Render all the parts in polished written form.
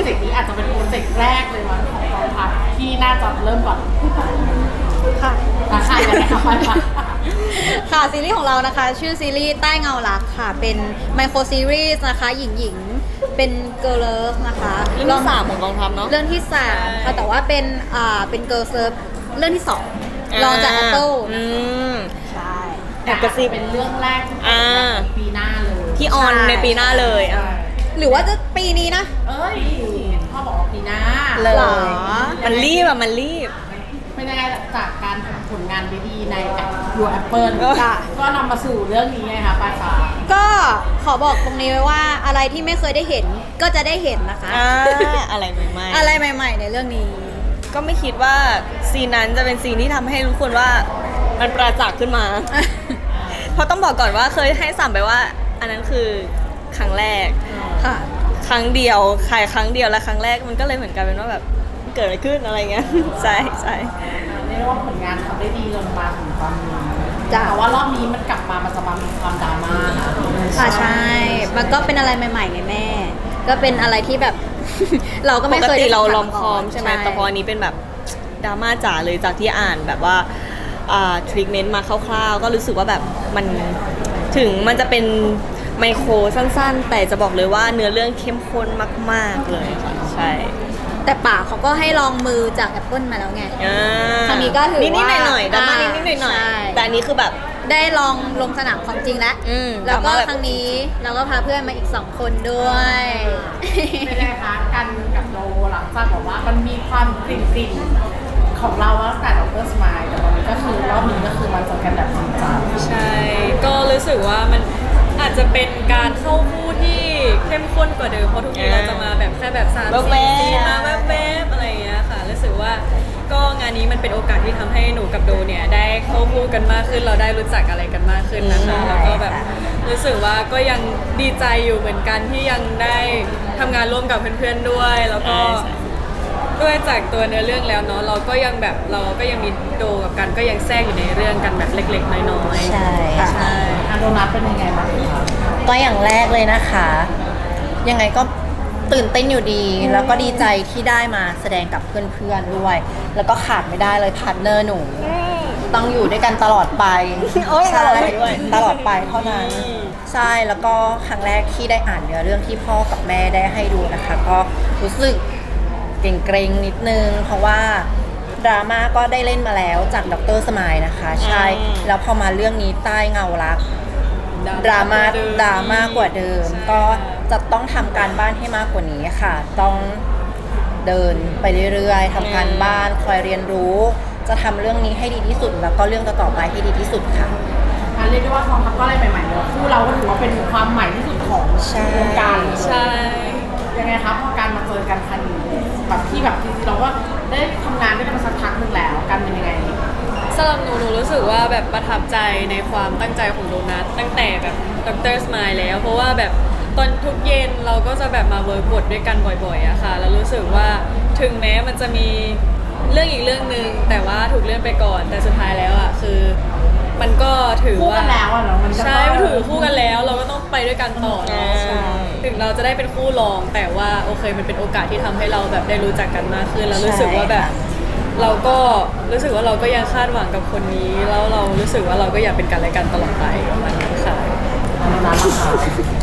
จกต์นี้อาจจะเป็นโปรเจกต์แรกเลยมั้งของกองทัพที่น่าจะเริ่มก่อนค่ะค่ะยังไงคะไปค่ะค่ะซีรีส์ของเรานะคะชื่อซีรีส์ใต้เงารักค่ะเป็นไมโครซีรีส์นะคะหญิงเป็นเกิร์ลเลิฟนะคะเรื่องที่ 3ของกองทัพเนาะเรื่องที่3ค่ะแต่ว่าเป็นเกิร์ลเลิฟเรื่องที่2รองจาก Apple ใช่แอบกระซิบเป็นเรื่องแรกที่เป็นในปีหน้าเลยที่ออนในปีหน้าเลยอ่ะหรือว่าจะปีนี้นะเอ้ยพ่อบอกว่าปีหน้าเลยมันรีบอ่ะมันรีบเป็นยังไงจากการทำผลงานดีๆในยูแอปเปิลค่ะก็นำมาสู่เรื่องนี้ไงคะปลายฟ้าก็ขอบอกตรงนี้ไว้ว่าอะไรที่ไม่เคยได้เห็นก็จะได้เห็นนะคะอะไรใหม่ๆอะไรใหม่ๆในเรื่องนี้ก็ไม่คิดว่าซีนนั้นจะเป็นซีนที่ทำให้ทุกคนว่ามันประจักษ์ขึ้นมา เพราะต้องบอกก่อนว่าเคยให้สัมไปว่า อันนั้นคือครั้งแรกค่ะครั้งเดียวใครครั้งเดียวและครั้งแรกมันก็เลยเหมือนกันเป็นว่าแบบเกิดอะไรขึ้นอะไรเงี้ย ใช่ใช่เรียกว่าผลงานทำได้ดีจนมาถึงตอนนี้จ้ะแต่ว่ารอบนี้มันกลับมามันจะมามีความดราม่านะค่ะใช่ มันก็เป็นอะไรใหม่ๆไงแม่ ก็เป็นอะไรที่แบบ เราก็ปไม่กเคยติได้เราสัลผัอสมคอมใช่ไหมแต่พออันนี้เป็นแบบดราม่าจ๋าเลยจากที่อ่านแบบว่าทรีทเมนต์มาคร่าวๆก็รู้สึกว่าแบบมันถึงมันจะเป็นไมโครสั้นๆ แต่จะบอกเลยว่าเนื้อเรื่องเข้มข้นมากๆเลยค่ะใช่แต่ป่าเขาก็ให้ลองมือจาก Apple มาแล้วไงอ่าครั้งนี้ก็ถือว่านิดๆหน่อยๆดราม่าอ่านิดๆหน่อยใช่ๆแต่อันนี้คือแบบได้ลองลงสนามของจริงแล้ว แล้วก็ดราม่าแบบครั้งนี้เราก็พาเพื่อนมาอีก2 คนด้วยเป็นไงคะกันกับโลหลังจากบอกว่ามันมีความกลิ่นๆของเราตั้งแต่ดรสมายแต่ตอนนี้ก็คือรอบนี้ก็คือมันเจอกันแบบจริงจังใช่ ก็รู้สึกว่ามันอาจจะเป็นการเข้าคู่ที่เข้มข้นกว่าเดิมเพราะทุกทีเราจะมาแบบแค่แบบ3-4 แว๊บๆซีนมาแวบๆอะไรอย่างเงี้ยค่ะรู้สึกว่าก็งานนี้มันเป็นโอกาสที่ทำให้หนูกับโดเนี่ยได้เข้าคู่กันมากขึ้นเราได้รู้จักอะไรกันมากขึ้นนะคะแล้วก็แบบรู้สึกว่าก็ยังดีใจอยู่เหมือนกันที่ยังได้ทำงานร่วมกับเพื่อนๆด้วยแล้วก็ ด้วยจากตัวเนื้อเรื่องแล้วเนาะเราก็ยังแบบเราก็ยังมีโดกับกันก็ยังแทรกอยู่ในเรื่องกันแบบเล็กๆน้อยๆใช่ค่ะใช่อันโดนัทเป็นยังไงบ้างคะก็อย่างแรกเลยนะคะ ยังไงก็ตื่นเต้นอยู่ดี แล้วก็ดีใจที่ได้มาแสดงกับเพื่อนๆด้วย แล้วก็ขาดไม่ได้เลยพาร์ทเนอร์หนู ต้องอยู่ด้วยกันตลอดไปโอ๊ยใช่ตลอดไปด้วยตลอดไปเท่านั้น ใช่แล้วก็ครั้งแรกที่ได้อ่านเนื้อเรื่องที่พ่อกับแม่ได้ให้ดูนะคะ ก็รู้สึกเกรงๆนิดนึง เพราะว่าดราม่าก็ได้เล่นมาแล้วจากดรสมายนะคะ ใช่ แล้วพอมาเรื่องนี้ใต้เงารัก ดราม่ากว่าเดิมใช่ก็จะต้องทำการบ้านให้มากกว่านี้ค่ะ ต้องเดินไปเรื่อยๆทำการบ้านคอยเรียนรู้ จะทำเรื่องนี้ให้ดีที่สุด แล้วก็เรื่องต่อๆไปให้ดีที่สุดค่ะเรียกได้ว่ากองทัพก็อะไรใหม่ๆเลยคู่เราก็ถือว่าเป็นความใหม่ที่สุดของใช่วงการเลยใช่ยังไงครับพอการมาเจอกันครั้งนี้แบบที่แบบจริงๆเราก็ได้ทำงานด้วยกันมาสักพักหนึ่งแล้วกันเป็นยังไงสำหรับหนูรู้สึกว่าแบบประทับใจในความตั้งใจของโดนัทตั้งแต่แบบดรสมายแล้ว เพราะว่าแบบตอนทุกเย็นเราก็จะแบบมาเวิร์กบทด้วยกันบ่อยๆอะค่ะแล้วรู้สึกว่าถึงแม้มันจะมีเรื่องอีกเรื่องหนึ่งแต่ว่าถูกเลื่อนไปก่อนแต่สุดท้ายแล้วอะคือมันก็ถือคู่ว่ากันแล้วอะเนาะมันก็ใช่มันถือคู่กันแล้วเราก็ต้องไปด้วยกันต่อเนาะใช่ถึงเราจะได้เป็นคู่รองแต่ว่าโอเคมันเป็นโอกาสที่ทำให้เราแบบได้รู้จักกันมากขึ้นแล้วรู้สึกว่าแบบเราก็รู้สึกว่าเราก็ยังคาดหวังกับคนนี้แล้วเรารู้สึกว่าเราก็อยากเป็นกันและกันตลอดไปประมาณนั้นค่ะอันนั้นราคา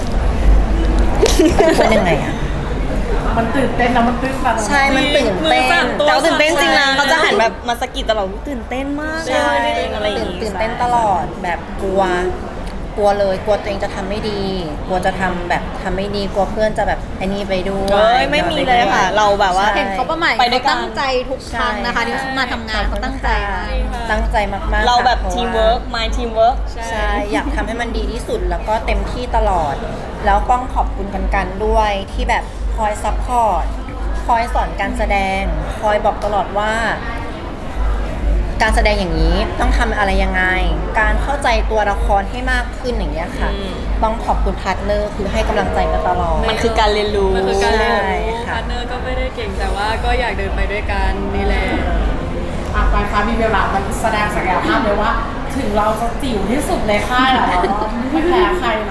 เป็นยังไงอะมันตื่นเต้นแล้วมันตื้นตันใช่ มันตื่นมืเต้อสั่นนตัวแต่ว่าตื่นเต้นจริงนะใช่เขาจะหันแบบมาสะกิดตลอดตื่นเต้นมากใช่เลยอะไรอย่างตื่งี้นเต้นตลอดแบบกลัวเลยกลัวตัวเองจะทำไม่ดี กลัวจะทำแบบทำไม่ดีกลัวเพื่อนจะแบบไอ้นี่ไปด้วยเอ้ยไม่มีเลยค่ะ เราแบบว่าเห็นเขาประมาณไปด้วยกันตั้งใจทุกครั้งนะคะที่เขามาทำงานเขาตั้งใจมากตั้งใจมากๆเราแบบค่ะทีมเวิร์ก my team work ใช่อยากทำให้มันดีที่สุดแล้วก็เต็มที่ตลอด แล้วต้องขอบคุณกันด้วยที่แบบคอยซัพพอร์ตคอยสอนการแสดง คอยบอกตลอดว่า การแสดงอย่างนี้ต้องทำอะไรยังไง การเข้าใจตัวละครให้มากขึ้นอย่างเงี้ยค่ะอืมต้องขอบคุณพาร์ทเนอร์คือให้กำลังใจกันตลอดมันคือการเรียนรู้มันคือการเรียนรู้ใช่ค่ะพาร์ทเนอร์ก็ไม่ได้เก่งแต่ว่าก็อยากเดินไปด้วยกันนี่แหละปลายฟ้ามีเวลามันแสดงศักยภาพเลยว่า ถึงเราจะจิ๋วที่สุดในค่ายแล้วไม่แพ้ใครนะก็ต้องบอก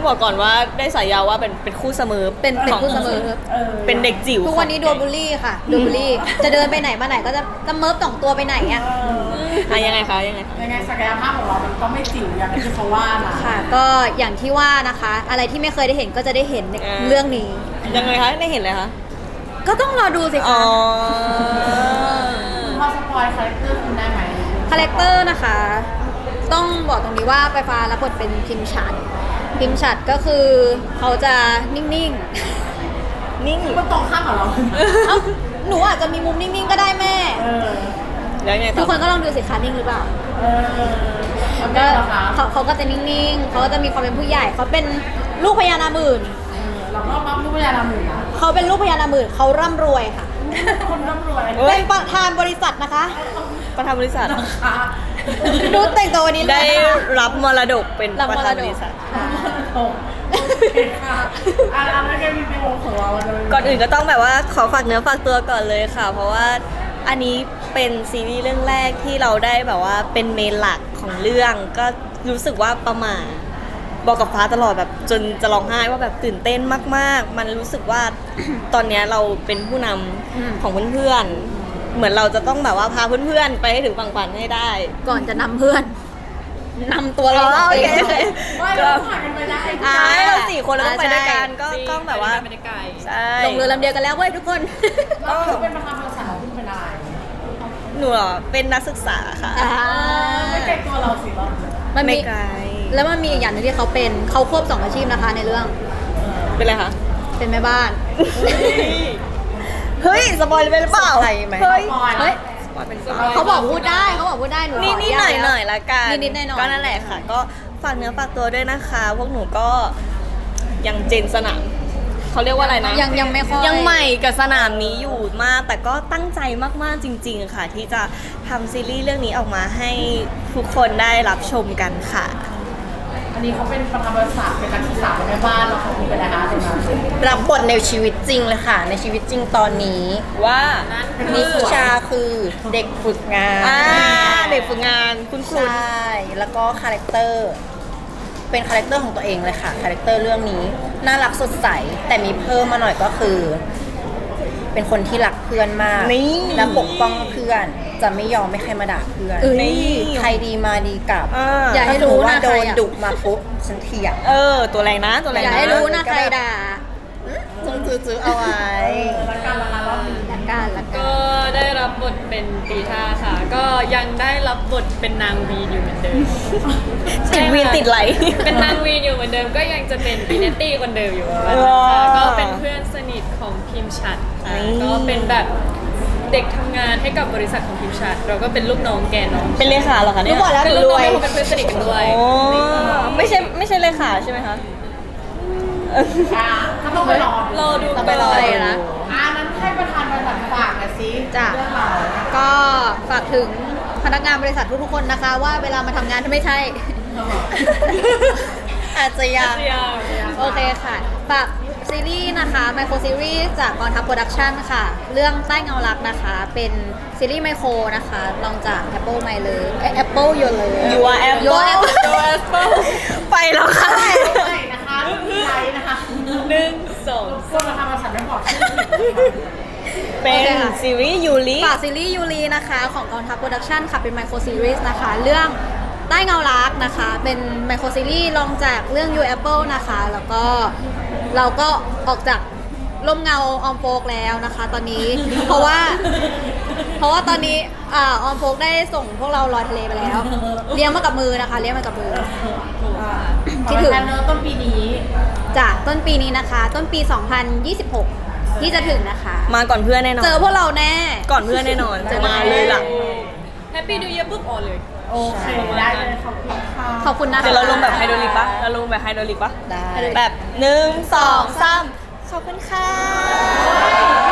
บอกก่อนว่าได้ฉายาว่าเป็นคู่เสมอเป็นคู่เสมอเป็นเด็กจิ๋วทุกวันนี้โดนบูลลี่ค่ะโดนบูลลี่ จะเดินไปไหนมาไหนก็จะเมิร์ฟสองตัวไปไหนอ่ะอ่ะยังไงคะยังไงยังไงศักยภาพของเรามันก็ไม่จิ๋วอย่างที่เขาว่านะค่ะ ก็อย่างที่ว่านะคะ อะไรที่ไม่เคยได้เห็นก็จะได้เห็นในเรื่องนี้ยังไงคะได้เห็นเลยคะก็ต้องรอดูสิอ๋คะอพอสปอยคาแรคเตอร์คุณได้ไหมคาแรคเตอร์นะคะ ต้องบอกตรงนี้ว่าไปฟ้ารับบทเป็นพิมชัดก็คือเขาจะนิ่งนิ่งมันตรงข้ามกับเราๆ เอ้าหนูอาจจะมีมุมนิ่งๆก็ได้แม่เออแล้วยังไงทุต่กอคนก็ลองดูสิคะนิ่งหรือเปล่าเออแล้วก็ก็เหรอคะเขาก็จะนิ่งๆ เขาก็จะมีความเป็นผู้ใหญ่ เขาเป็นลูกพญานาคหมื่นเราก็ปั๊มลูกพญานาคหมื่นนะเขาเป็นลูกพญานาคหมื่นเขาร่ำรวยค่ะคนร่ำรวยเป็นประธานบริษัทนะคะประธานบริษัทค่ะดูแต่งตัววันนี้เลยได้นะคะรับมรดกเป็นรับประมรดกธานบริษัทโอเคค่ะอันนั้นก็มีในวงของเราจะเป็ก่อนอื่นก็ต้องแบบว่าขอฝากเนื้อฝากตัวก่อนเลยค่ะ เพราะว่าอันนี้เป็นซีรีส์เรื่องแรกที่เราได้แบบว่าเป็นเมนหลักของเรื่องก็รู้สึกว่าประหม่าบอกกับฟ้าตลอดแบบจนจะร้องไห้ว่าแบบตื่นเต้นมากๆ มันรู้สึกว่า ตอนเนี้ยเราเป็นผู้นำของเพื่อนๆเหมือนเราจะต้องแบบว่าพาเพื่อนๆไปให้ถึงฝั่งฝันให้ได้ก่อนจะนำเพื่อนนำตัวเราอ๋อโอเคไปไม่เราผ่านกันไปได้ใช่เรา4 คนเราต้องไปด้วยกันก็จริงต้องแบบว่าไม่ได้ไกลใช่ลงเรือลำเดียวกันแล้วเว้ยทุกคนเราเป็นประธานบริษัทของคุณเป็นอะไรหนูเหรอเป็นนักศึกษาค่ะไม่เกรงตัวเราสิเรามันไม่มีไกลแล้วมันมีอีกอย่างหนึงที่เขาเป็นเขาควบ2อาชีพนะคะในเรื่องเป็นไรคะเป็นแม่บ้านเฮ้ยสปอยล์ไปหรือเปล่าสปอยล์ไหมเฮ้ยปอยเฮ้ยสปอยล์เป็นเขาบอกพูดได้เขาบอกพูดได้หนูนิดๆหน่อยๆละกันนิดๆหน่อยๆก็นั่นแหละค่ะ ก็ฝากเนื้อฝากตัวด้วยนะคะ พวกหนูก็ยังเจนสนามเขาเรียกว่าอะไรนะยังไม่ค่อยยังใหม่กับสนามนี้อยู่มาก แต่ก็ตั้งใจมากๆจริง ๆ ค่ะ ที่จะทำซีรีส์เรื่องนี้ออกมาให้ทุกคนได้รับชมกันค่ะอันนี้เขาเป็นประธานบริษัทเป็นนักศึกษาเป็นแม่บ้านเราเขาเป็นอะไรคะตรงนั้นรับบทในชีวิตจริงเลยค่ะ ในชีวิตจริงตอนนี้ว่านิชาคือเด็กฝึกงานเด็กฝึกงานคุณครูใช่แล้วก็คาแรคเตอร์เป็นคาแรคเตอร์ของตัวเองเลยค่ะคาแรคเตอร์เรื่องนี้น่ารักสดใสแต่มีเพิ่มมาหน่อยก็คือ เป็นคนที่รักเพื่อนมากนี่และปกป้องเพื่อนจะไม่ยอมให้ใครมาด่าเพื่อนนี่ใครดีมาดีกลับอย่าให้รู้ว่านะโดใครนอะดุมาปุ๊บฉันเถียงตัวแรงนะตัวแรงอย่านะให้รู้นะใครด่าจื้อเอาไว้แล้วการละรอบนี้ละกันละกันก็ได้รับบทเป็นตีท่าค่ะ ก็ยังได้รับบทเป็นนางวีนอยู่เหมือนเดิมติดวีนติดไหลเป็นนางวีนอยู่เหมือนเดิม ก็ยังจะเป็นปีเนตตี้คนเดิมอยู่ค่ะว้าวก็เป็นเพื่อนสนิทของพิมพ์ชัดค่ะนี่ก็เป็นแบบเด็กทำงานให้กับบริษัทของพิมพ์ชัด เราก็เป็นลูกน้องแกน้องเป็นเลขาเหรอคะเนี่ยรู้หมดแล้วเป็นลูกน้องแล้วก็เป็นเพื่อนสนิทกันด้วยโอ้ไม่ใช่เลขาใช่ไหมคะก็ต้องไปรอรอดูต้องไปรอก่นเลยนะนั้นให้ประธานบริษัทฝากหน่อยสิจ้ะเรื่องเราก็ฝากถึงพนักงานบริษัททุกๆคนนะคะ ว่าเวลามาทำงานถ้าไม่ใช่อาจจะยังโอเคค่ะ ฝากซีรีส์นะคะไมโครซีรีส์จากกองทัพโปรดักชันค่ะ เรื่องใต้เงารักนะคะ เป็นซีรีส์ไมโครนะคะลองจาก Apple ไม่เลย Apple อยู่เลย You are Apple You are Apple ไปแล้วค่ะใช่นะคะรุ่นไทยนะคะ 1 2 พวกประธานบริษัทไม่บอกชื่อเป็นโอเคค่ะซีรีส์ยูริฝากซีรีส์ยูรีนะคะ ของกองทัพโปรดักชันค่ะ เป็นไมโครซีรีส์นะคะ เรื่องใต้เงารักนะคะ เป็นไมโครซีรีส์ลองจากเรื่อง You Apple นะคะ แล้วก็เราก็ออกจากร่มเงาออมโฟกแล้วนะคะตอนนี้ เพราะว่าตอนนี้ออมโฟกได้ส่งพวกเราลอยทะเลไปแล้ว เลี้ยงมากับมือนะคะ เลี้ยงมากับมือ คิดถึงเนื้อต้นปีนี้จากต้นปีนี้นะคะ ต้นปี 2026 ที่จะถึงนะคะมาก่อนเพื่อนแน่นอนเจอพวกเราแน่ก่อนเพื่อนแน่นอนเจอมาเลยล่ะแฮปปี้ดูเยอะปุ๊บออนเลยโอเค ได้เลยขอบคุณค่ะขอบคุณนะคะเดี๋ยวเราลงแบบไฮโดรลิกปะเราลงแบบไฮโดรลิกปะได้แบบ1 2 3ขอบคุณค่ะ